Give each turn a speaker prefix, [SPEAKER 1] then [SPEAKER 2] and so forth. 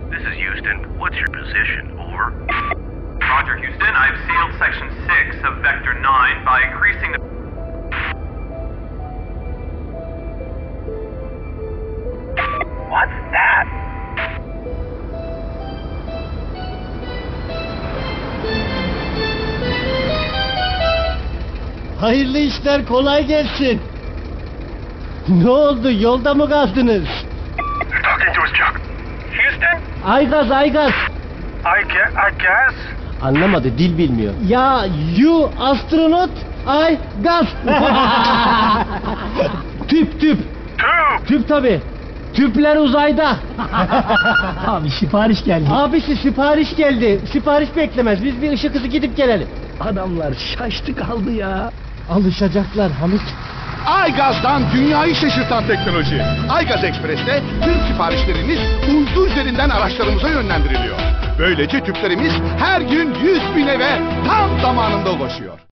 [SPEAKER 1] This is Houston. What's your position? Over.
[SPEAKER 2] Roger, Houston. I've sealed Section 6 of Vector 9 by increasing the...
[SPEAKER 1] What's that?
[SPEAKER 3] Hayırlı işler, kolay gelsin. Ne oldu, yolda mı kaldınız?
[SPEAKER 1] You're talking to us, Chuck. Houston?
[SPEAKER 3] Aygaz, Aygaz.
[SPEAKER 1] I guess.
[SPEAKER 3] Anlamadı, dil bilmiyor. Ya, you astronot, I gaz. Tüp.
[SPEAKER 1] Tube.
[SPEAKER 3] Tüp tabi. Tüpler uzayda.
[SPEAKER 4] Abi sipariş geldi.
[SPEAKER 3] Abisi sipariş geldi. Sipariş beklemez. Biz bir ışık hızı gidip gelelim.
[SPEAKER 4] Adamlar şaştı kaldı ya.
[SPEAKER 3] Alışacaklar Hamit.
[SPEAKER 5] Aygaz'dan dünyayı şaşırtan teknoloji. Aygaz Ekspres'te tüm siparişleriniz uydu üzerinden araçlarımıza yönlendiriliyor. Böylece tüplerimiz her gün 100.000 eve tam zamanında ulaşıyor.